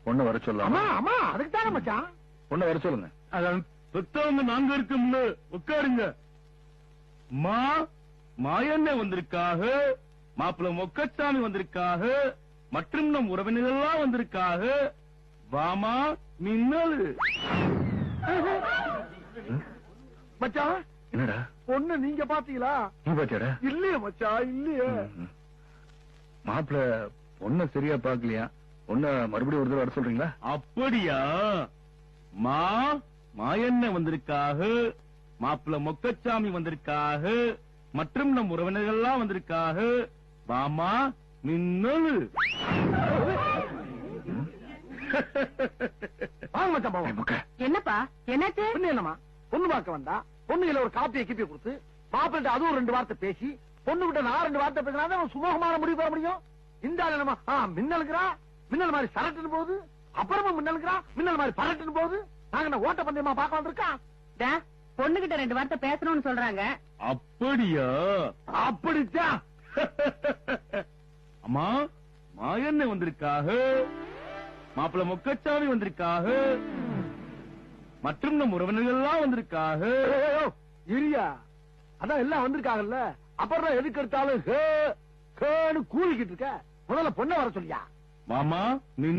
பொண்ணு வர சொல்லலாம். ஆமா அதுக்கு தானே மச்சான். பொண்ணு வர சொல்லுங்க. பெத்தவங்க நாங்க இருக்கோம்னு உட்காருங்க. மாயண்ணே வந்திருக்காக, மாப்பிள்ள மொக்கச்சாமி வந்திருக்காக, மற்றும் நம் உறவினர்கள்லாம் வந்திருக்காக. வாமா மின்னல். மச்சான் என்னடா பொண்ணு நீங்க பாத்தீங்களா? நீ பாத்தியாடா? இல்லையே மச்சான் இல்லையே. மாப்பிள்ள பொண்ண சரியா பாக்கலையா? பொண்ண மறுபடியும் ஒரு தடவை வர சொல்றீங்களா? அப்படியா? மாயண்ணே வந்திருக்காக, மாப்பிள்ள மொக்கச்சாமி வந்திருக்காக, மற்றும் நம் உறவினர்கள்லாம் வந்திருக்காக. வாமா மின்னல். வாங்க மச்சான் பாவம். என்னப்பா என்னாச்சு? பொண்ணு என்னமா பொண்ணு பார்க்க வந்தா பொண்ணுல ஒரு காப்பியை கிப்பியை கொடுத்து மாப்பிள்ளை அதுவும் 2 வார்த்தை பேசி பொண்ணு கிட்ட நான் 2 வார்த்தை பேசினா சுமூகமான முடிவு பெற முடியும். இந்த ஆள் என்னமா மின்னலுக்குறா, மின்னல் மாதிரி சரட்டுன்னு போகுது, அப்புறமா மின்னலுக்குறா மின்னல் மாதிரி பரட்டுன்னு போகுது. நாங்க என்ன ஓட்ட பந்தயமா பார்க்க வந்திருக்கோம்? பொண்ணுகிட்ட 2 வார்த்தை பேசணும்னு சொல்றாங்க. அப்படியா? அப்படித்தான். அம்மா மாயண்ணே வந்திருக்காக, மாப்பிள்ள மொக்கச்சாமி வந்திருக்காக, மற்றும் நம் உறவினர்கள்லாம் வந்திருக்காக. இரியா அதான் எல்லாம் வந்திருக்காங்கல்ல, அப்புறம் எதுக்கு எடுத்தாலும் கூலிக்கிட்டு இருக்க. முதல்ல பொண்ணை வர சொல்லியா? மாமா